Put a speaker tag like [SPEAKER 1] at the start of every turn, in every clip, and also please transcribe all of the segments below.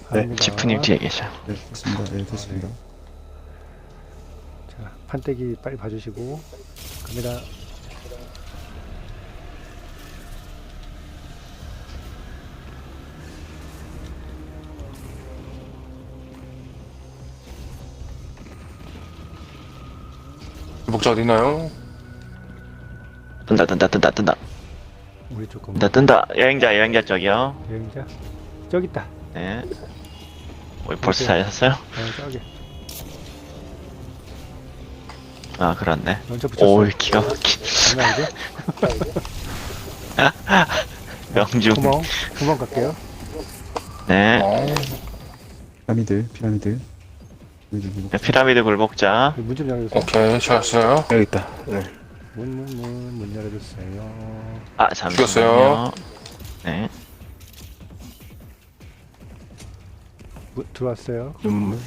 [SPEAKER 1] 네.
[SPEAKER 2] 지프님 뒤에 계셔.
[SPEAKER 3] 네, 됐습니다. 네, 됐습니다.
[SPEAKER 1] 자, 판때기 빨리 봐주시고 갑니다.
[SPEAKER 4] 목자 어디 있나요?
[SPEAKER 2] 뜬다 뜬다 뜬다 뜬다
[SPEAKER 1] 우리 조금
[SPEAKER 2] 뜬다. 여행자 쪽이요.
[SPEAKER 1] 여행자 저기 있다.
[SPEAKER 2] 네. 왜 벌써 찾으셨어요?
[SPEAKER 1] 저기
[SPEAKER 2] 아 그렇네.
[SPEAKER 1] 먼저 붙였어.
[SPEAKER 2] 오 기가 막히.
[SPEAKER 1] 장난 아니죠?
[SPEAKER 2] 명중.
[SPEAKER 1] 구멍 갈게요.
[SPEAKER 2] 네.
[SPEAKER 3] 피라미드.
[SPEAKER 2] 피라미드 굴복자.
[SPEAKER 1] 문 좀 열어주세요.
[SPEAKER 4] 오케이, 찾았어요.
[SPEAKER 5] 여기 있다. 네.
[SPEAKER 1] 문 열어주세요.
[SPEAKER 2] 아 잠시만요.
[SPEAKER 4] 죽였어요.
[SPEAKER 2] 네.
[SPEAKER 1] 들어왔어요.
[SPEAKER 5] 눈물.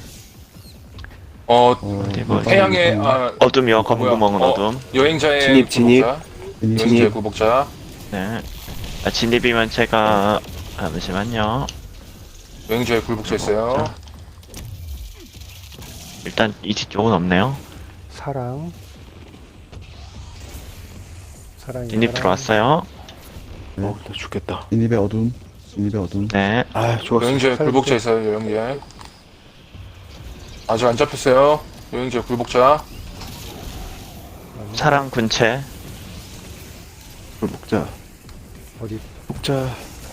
[SPEAKER 2] 어디 뭐
[SPEAKER 4] 태양의
[SPEAKER 2] 어둠이요. 검은
[SPEAKER 4] 뭐야?
[SPEAKER 2] 구멍은 어둠.
[SPEAKER 4] 여행자의
[SPEAKER 5] 진입.
[SPEAKER 4] 굴복자. 여행자의 굴복자.
[SPEAKER 2] 네. 아, 진입이면 제가 잠시만요.
[SPEAKER 4] 여행자의 굴복자 있어요.
[SPEAKER 2] 일단 이 뒤쪽은 없네요.
[SPEAKER 1] 사랑이
[SPEAKER 2] 진입 들어왔어요.
[SPEAKER 5] 나 죽겠다.
[SPEAKER 3] 진입의 어둠.
[SPEAKER 2] 네.
[SPEAKER 5] 아, 죽었어.
[SPEAKER 4] 여행자의 굴복자 있어요. 여행자. 아직 안 잡혔어요. 여행자의 굴복자.
[SPEAKER 2] 사랑 군체.
[SPEAKER 5] 먹자.
[SPEAKER 1] 어디?
[SPEAKER 5] 먹자.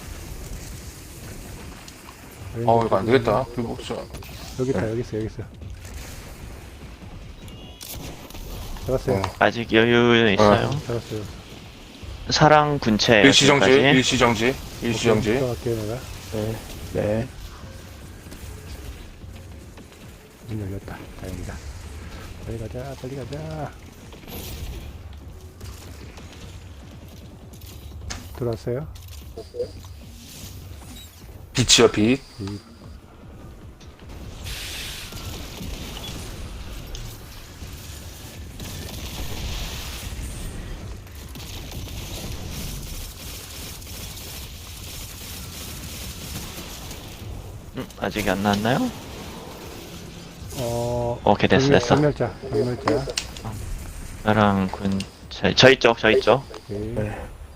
[SPEAKER 4] 이거 안 되겠다. 굴복자.
[SPEAKER 1] 여기 있다. 여기 있어. 잡았어요.
[SPEAKER 2] 아직 여유는 있어요.
[SPEAKER 1] 잡았어요.
[SPEAKER 2] 사랑 군체.
[SPEAKER 4] 일시정지.
[SPEAKER 2] 여기까지.
[SPEAKER 4] 일시정지.
[SPEAKER 1] 들어갈게요 내가.
[SPEAKER 5] 네.
[SPEAKER 1] 문 열렸다. 다행이다. 빨리 가자. 들어왔어요?
[SPEAKER 4] 빛이요, 빛.
[SPEAKER 2] 아직 안 나왔나요?
[SPEAKER 1] 어.
[SPEAKER 2] 오케이 됐어.
[SPEAKER 1] 경멸자.
[SPEAKER 2] 사랑 군체. 저 있죠.
[SPEAKER 1] 오케이.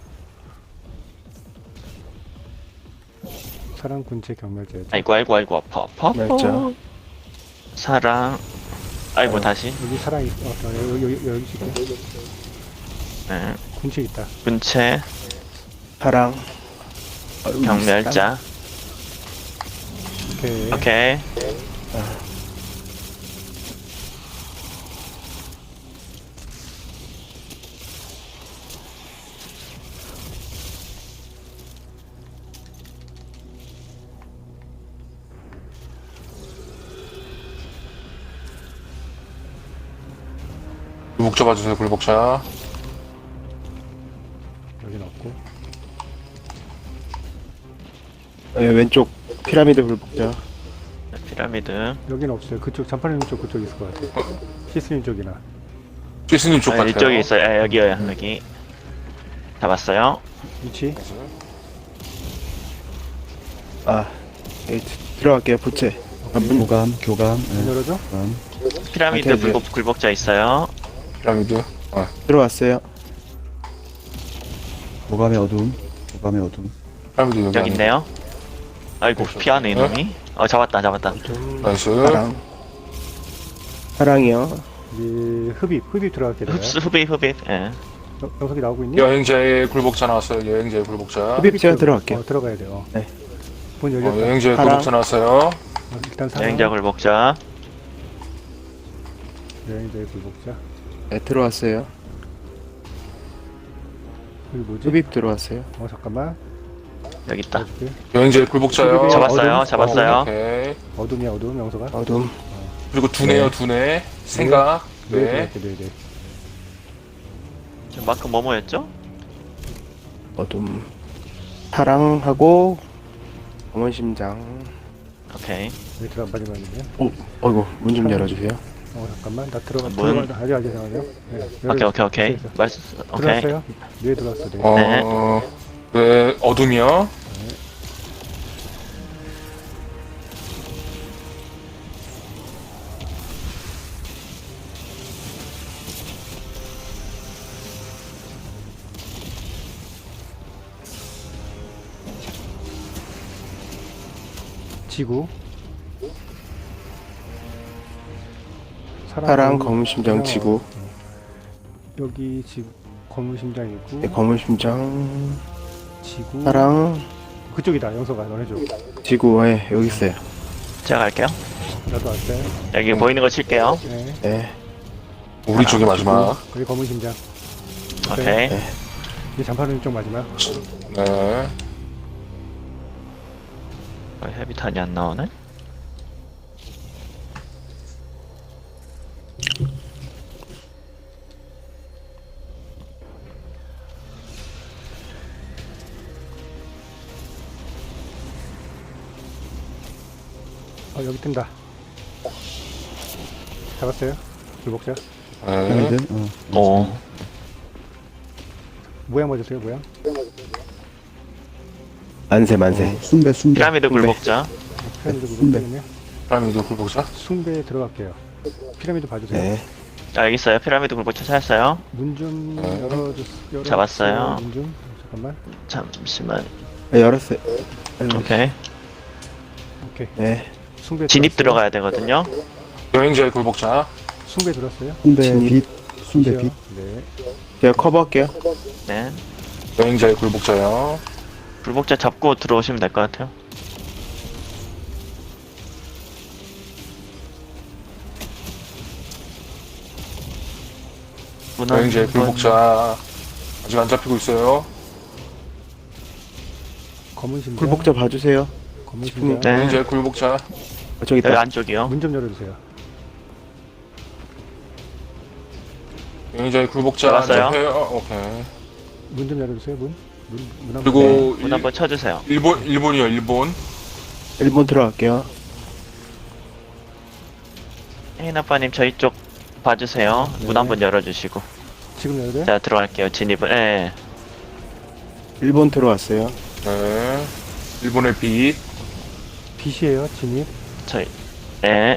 [SPEAKER 1] 사랑 군체 경멸자였죠.
[SPEAKER 2] 아이고 아파.
[SPEAKER 5] 멸자.
[SPEAKER 2] 사랑. 아이고 다시.
[SPEAKER 1] 여기 사랑 있. 여기 있을게.
[SPEAKER 2] 네.
[SPEAKER 1] 군체 있다.
[SPEAKER 2] 군체.
[SPEAKER 5] 사랑.
[SPEAKER 2] 경멸자. 오케이.
[SPEAKER 4] 굴복자 봐주세요, 굴복자.
[SPEAKER 1] 여긴 없고.
[SPEAKER 5] 왼쪽 피라미드 불복자.
[SPEAKER 2] 피라미드.
[SPEAKER 1] 여긴 없어요. 그쪽 잔파님 쪽 그쪽 있을 것 같아요. 시스님 쪽이나.
[SPEAKER 4] 피스님 쪽 같아요.
[SPEAKER 2] 이쪽에 있어요. 여기요. 여기. 잡았어요.
[SPEAKER 1] 위치.
[SPEAKER 5] 여기 들어갈게요. 부채.
[SPEAKER 3] 교감.
[SPEAKER 1] 문 열어줘.
[SPEAKER 2] 피라미드
[SPEAKER 5] 오케이,
[SPEAKER 2] 굴복자 있어요.
[SPEAKER 4] 피라미드.
[SPEAKER 5] 들어왔어요.
[SPEAKER 3] 교감의 어둠.
[SPEAKER 4] 피라미드 여기
[SPEAKER 2] 여기 있네요. 아이고 피하네 이놈이. 잡았다.
[SPEAKER 4] 나이스.
[SPEAKER 5] 사랑이요.
[SPEAKER 1] 이제 흡입 들어갈게 내가.
[SPEAKER 2] 흡입. 예.
[SPEAKER 1] 영석이 나오고 있니?
[SPEAKER 4] 여행자의 굴복자 나왔어요. 여행자의 굴복자.
[SPEAKER 5] 흡입 제가 들어갈게요.
[SPEAKER 1] 들어가야 돼요.
[SPEAKER 5] 네.
[SPEAKER 1] 문 열렸다.
[SPEAKER 4] 여행자의
[SPEAKER 5] 사랑.
[SPEAKER 4] 굴복자 나왔어요.
[SPEAKER 1] 일단 사랑.
[SPEAKER 2] 여행자 굴복자.
[SPEAKER 1] 여행자의 굴복자.
[SPEAKER 5] 네, 들어왔어요.
[SPEAKER 1] 여기 뭐지?
[SPEAKER 5] 흡입 들어왔어요.
[SPEAKER 1] 잠깐만.
[SPEAKER 2] 여기 있다.
[SPEAKER 1] 봐줄게.
[SPEAKER 4] 여행자의 굴복자요.
[SPEAKER 2] 잡았어요.
[SPEAKER 4] 오케이.
[SPEAKER 1] 어둠이야 어둠 영석아.
[SPEAKER 5] 어둠.
[SPEAKER 4] 그리고 두뇌요, 두뇌. 생각. 네.
[SPEAKER 1] 네.
[SPEAKER 2] 마크 뭐였죠?
[SPEAKER 5] 어둠. 사랑하고 검은 심장.
[SPEAKER 2] 오케이.
[SPEAKER 1] 여기 들어가 빨리 말이네.
[SPEAKER 5] 어이구, 문 좀 열어주세요.
[SPEAKER 1] 잠깐만 나 들어가.
[SPEAKER 2] 문.
[SPEAKER 1] 아직 잠깐만요. 네.
[SPEAKER 2] 오케이. 오케이.
[SPEAKER 1] 들어왔어요? 네 들어왔어. 네.
[SPEAKER 4] 네, 어둠이요.
[SPEAKER 1] 지구.
[SPEAKER 5] 파랑 검은 심장 지구.
[SPEAKER 1] 여기 지구 검은 심장 있고.
[SPEAKER 5] 네, 검은 심장
[SPEAKER 1] 지구.
[SPEAKER 5] 파랑
[SPEAKER 1] 그쪽이다. 영서가 너네 쪽.
[SPEAKER 5] 지구에 여기 있어요.
[SPEAKER 2] 제가 갈게요.
[SPEAKER 1] 나도 왔어요.
[SPEAKER 2] 여기 보이는 거 칠게요.
[SPEAKER 1] 네.
[SPEAKER 5] 네.
[SPEAKER 4] 우리 쪽이 마지막.
[SPEAKER 1] 여기 검은 심장.
[SPEAKER 2] 오케이.
[SPEAKER 1] 이 잔파른 쪽 마지막.
[SPEAKER 4] 네.
[SPEAKER 2] 헤비탄이 안 나오네?
[SPEAKER 1] 여기 뜬다. 잡았어요. 불복자.
[SPEAKER 4] 네.
[SPEAKER 3] 피라미드.
[SPEAKER 2] 오.
[SPEAKER 1] 모양 맞으세요, 모양?
[SPEAKER 5] 만세 만세.
[SPEAKER 3] 숭배 숭배.
[SPEAKER 2] 피라미드 굴복자.
[SPEAKER 1] 피라미드
[SPEAKER 3] 숭배.
[SPEAKER 1] 불복자면요.
[SPEAKER 4] 피라미드 굴복자.
[SPEAKER 1] 숭배에 들어갈게요. 피라미드 봐주세요.
[SPEAKER 5] 네.
[SPEAKER 2] 여기 있어요. 피라미드 굴복자 찾았어요.
[SPEAKER 1] 문 좀 열어주세요.
[SPEAKER 2] 잡았어요.
[SPEAKER 1] 문 좀. 잠깐만.
[SPEAKER 2] 잠시만.
[SPEAKER 5] 네, 열었어요.
[SPEAKER 2] 오케이.
[SPEAKER 1] 오케이.
[SPEAKER 5] 네.
[SPEAKER 1] 숭배
[SPEAKER 2] 진입
[SPEAKER 1] 들어왔어요.
[SPEAKER 2] 들어가야 되거든요.
[SPEAKER 4] 여행자의 굴복자.
[SPEAKER 1] 숭배 들었어요.
[SPEAKER 3] 숭배
[SPEAKER 5] 진입.
[SPEAKER 3] 빛. 숭배 빛.
[SPEAKER 1] 네.
[SPEAKER 5] 제가 커버할게요.
[SPEAKER 2] 네.
[SPEAKER 4] 여행자의 굴복자요.
[SPEAKER 2] 굴복자 잡고 들어오시면 될 것 같아요. 문화
[SPEAKER 4] 여행자의 굴복자. 아직 안 잡히고 있어요.
[SPEAKER 1] 검은 심장.
[SPEAKER 5] 굴복자 봐주세요.
[SPEAKER 1] 검은
[SPEAKER 5] 네.
[SPEAKER 1] 심장.
[SPEAKER 4] 여행자의 굴복자.
[SPEAKER 5] 저기
[SPEAKER 2] 여기
[SPEAKER 5] 있다.
[SPEAKER 2] 안쪽이요.
[SPEAKER 1] 문 좀 열어주세요.
[SPEAKER 4] 여행자의 굴복자.
[SPEAKER 2] 잡았어요.
[SPEAKER 4] 잡혀요. 오케이.
[SPEAKER 1] 문 좀 열어주세요. 문 한번.
[SPEAKER 4] 그리고
[SPEAKER 2] 문 한번 쳐주세요.
[SPEAKER 4] 일본이요, 일본.
[SPEAKER 5] 1번 들어갈게요.
[SPEAKER 2] 혜인 아빠님 저희 쪽 봐주세요.
[SPEAKER 1] 네.
[SPEAKER 2] 문 한번 열어주시고.
[SPEAKER 1] 지금 열어야 돼?
[SPEAKER 2] 자 들어갈게요. 진입을. 예.
[SPEAKER 5] 1번 들어왔어요.
[SPEAKER 4] 네. 일본의 빛.
[SPEAKER 1] 빛이에요. 진입.
[SPEAKER 2] 저희. 예.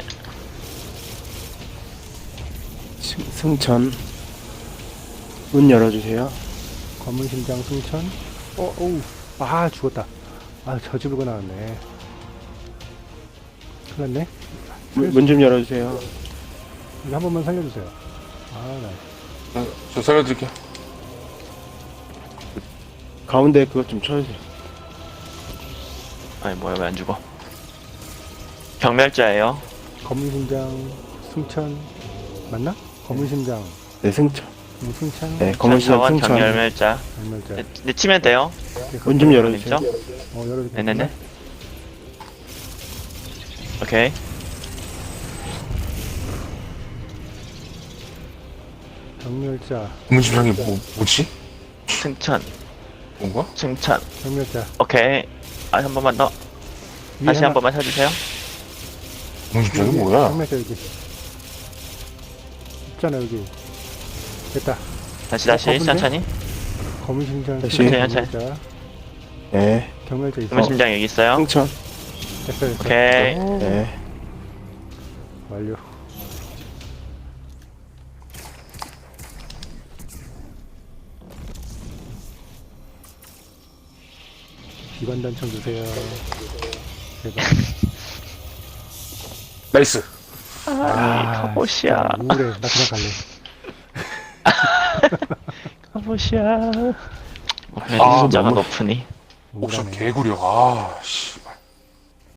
[SPEAKER 5] 승천. 문 열어주세요.
[SPEAKER 1] 검은 심장 승천. 어우. 아 죽었다. 아 저집으로 나왔네. 큰일 났네.
[SPEAKER 5] 문 좀 열어주세요.
[SPEAKER 1] 이거 한 번만 살려주세요. 아 나.
[SPEAKER 4] 네, 저 살려드릴게요.
[SPEAKER 5] 가운데 그것 좀 쳐주세요.
[SPEAKER 2] 아니 뭐야 왜 안 죽어? 경멸자예요.
[SPEAKER 1] 검은 심장 승천 맞나? 검은 심장
[SPEAKER 5] 네, 승천.
[SPEAKER 1] 승천.
[SPEAKER 5] 네, 검은 심장
[SPEAKER 2] 자원
[SPEAKER 5] 승천.
[SPEAKER 2] 경멸자.
[SPEAKER 1] 얼마자?
[SPEAKER 2] 네, 치면 돼요.
[SPEAKER 5] 문 좀 열어주세요.
[SPEAKER 1] 열어주세요.
[SPEAKER 2] 네네네. 오케이.
[SPEAKER 1] 경멸자.
[SPEAKER 4] 문심장이 뭐지?
[SPEAKER 2] 승천.
[SPEAKER 4] 뭔가?
[SPEAKER 2] 승천.
[SPEAKER 1] 경멸자.
[SPEAKER 2] 오케이. 아, 한 번만 더.
[SPEAKER 1] 위에
[SPEAKER 2] 다시
[SPEAKER 1] 하나.
[SPEAKER 2] 한 번만 쳐주세요.
[SPEAKER 4] 문심장이
[SPEAKER 1] 여기,
[SPEAKER 4] 뭐야?
[SPEAKER 1] 경멸자 여기. 있잖아 여기. 됐다.
[SPEAKER 2] 다시
[SPEAKER 1] 검은데?
[SPEAKER 2] 천천히.
[SPEAKER 1] 검은 심장
[SPEAKER 5] 다시.
[SPEAKER 1] 승천,
[SPEAKER 2] 천천히.
[SPEAKER 1] 경멸자.
[SPEAKER 5] 네.
[SPEAKER 1] 경멸자 있어.
[SPEAKER 2] 검은 심장 여기 있어요.
[SPEAKER 5] 승천.
[SPEAKER 1] 됐어.
[SPEAKER 2] 오케이.
[SPEAKER 5] 네.
[SPEAKER 1] 완료. 기관 단청 주세요. 제발.
[SPEAKER 4] 나이스.
[SPEAKER 2] 카보시아.
[SPEAKER 1] 진짜 우울해. 나 그냥 갈래.
[SPEAKER 2] 카보시아.
[SPEAKER 4] 아,
[SPEAKER 2] 진짜가
[SPEAKER 4] 너무-
[SPEAKER 2] 높으니.
[SPEAKER 4] 목소
[SPEAKER 1] 우울하네.
[SPEAKER 4] 개구려. 아, 씨.